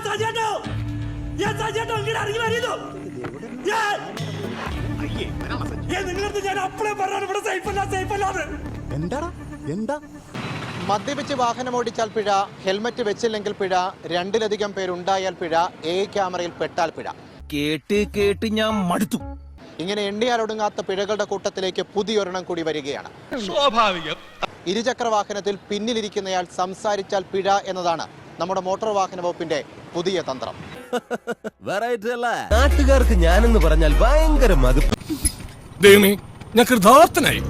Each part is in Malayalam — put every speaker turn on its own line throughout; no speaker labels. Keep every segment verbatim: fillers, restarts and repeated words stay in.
മദ്യപിച്ച് വാഹനം ഓടിച്ചാൽ പിഴ, ഹെൽമറ്റ് വെച്ചില്ലെങ്കിൽ പിഴ, രണ്ടിലധികം പേരുണ്ടായാൽ പിഴ, എ ക്യാമറയിൽ പെട്ടാൽ പിഴ.
കേട്ട് കേട്ട് ഞാൻ മടുത്തു.
ഇങ്ങനെ എണ്ണിയാലൊടുങ്ങാത്ത പിഴകളുടെ കൂട്ടത്തിലേക്ക് പുതിയൊരെണ്ണം കൂടി വരികയാണ്.
സ്വാഭാവികം.
ഇരുചക്ര വാഹനത്തിൽ പിന്നിലിരിക്കുന്നയാൾ സംസാരിച്ചാൽ പിഴ എന്നതാണ് നമ്മുടെ മോട്ടോർ വാഹന വകുപ്പിന്റെ പുതിയ തന്ത്രം.
നാട്ടുകാർക്ക് ഞാനെന്ന് പറഞ്ഞാൽ ഭയങ്കര മതിപ്പ്.
ഞാൻ കൃതാർത്ഥനായി.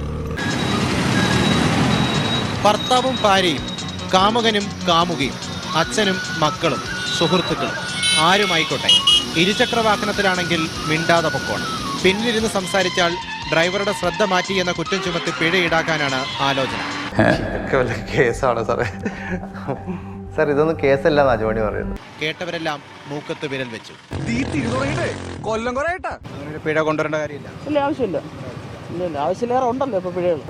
ഭർത്താവും ഭാര്യയും, കാമുകനും കാമുകയും, അച്ഛനും മക്കളും, സുഹൃത്തുക്കളും, ആരുമായിക്കോട്ടെ, ഇരുചക്ര വാഹനത്തിലാണെങ്കിൽ മിണ്ടാതെ പൊക്കോണം. പിന്നിലിരുന്ന് സംസാരിച്ചാൽ ഡ്രൈവറുടെ ശ്രദ്ധ മാറ്റി എന്ന കുറ്റം ചുമത്തി പിഴ ഈടാക്കാനാണ് ആലോചന.
കേസാണ് സാറേ. സാർ ഇതൊന്നും കേസല്ല നാജുമണി പറയുന്നത്.
കേട്ടവരെല്ലാം മൂക്കത്ത് വിരൽ വെച്ചു.
കൊല്ലം കുറേട്ടാ
പിഴ കൊണ്ടുവരേണ്ട കാര്യമില്ല.
ഇല്ല, ആവശ്യമില്ല. ഇല്ല, ആവശ്യമില്ലേറെ ഉണ്ടല്ലോ ഇപ്പൊ പിഴകൾ.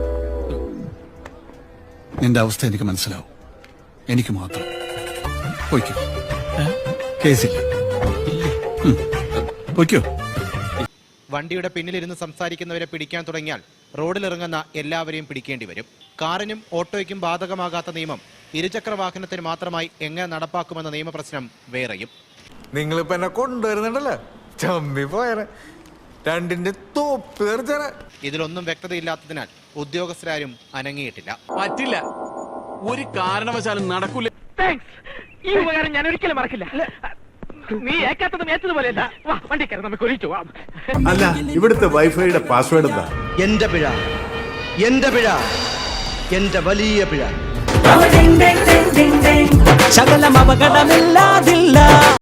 നിന്റെ അവസ്ഥ എനിക്ക് മനസ്സിലാവും. എനിക്ക് മാത്രം പൊയ്ക്കോ, കേസില്ല. പൊയ്ക്കോ.
വണ്ടിയുടെ പിന്നിലിരുന്ന് സംസാരിക്കുന്നവരെ പിടിക്കാൻ തുടങ്ങിയാൽ റോഡിലിറങ്ങുന്ന എല്ലാവരെയും പിടിക്കേണ്ടി വരും. കാറിനും ഓട്ടോയ്ക്കും ബാധകമാകാത്ത നിയമം ഇരുചക്ര വാഹനത്തിന് മാത്രമായി എങ്ങനെ നടപ്പാക്കുമെന്ന നിയമപ്രശ്നം വേറെയും.
നിങ്ങളിപ്പോ എന്നെ കൊണ്ടുവരുന്നുണ്ടല്ലോ, ചമ്മി പോയനെ രണ്ടിന്റെ തോപ്പ്.
ഇതിലൊന്നും വ്യക്തതയില്ലാത്തതിനാൽ ഉദ്യോഗസ്ഥരാരും അനങ്ങിയിട്ടില്ല.
പറ്റില്ല, ഒരു കാരണവശാലും നടക്കൂല.
ഈ ഉപകാരം ഞാൻ ഒരിക്കലും മറക്കില്ല. നീ ഏക്കാത്തതും ഏറ്റതുപോലെയല്ല. വണ്ടി കയറി നമുക്ക് ഒഴിച്ചു.
അല്ല, ഇവിടുത്തെ വൈഫൈയുടെ പാസ്വേഡ് എന്താ?
എന്റെ പിഴ, എന്റെ പിഴ, എന്റെ വലിയ പിഴ. ശകലം അപകടമില്ലാതില്ല.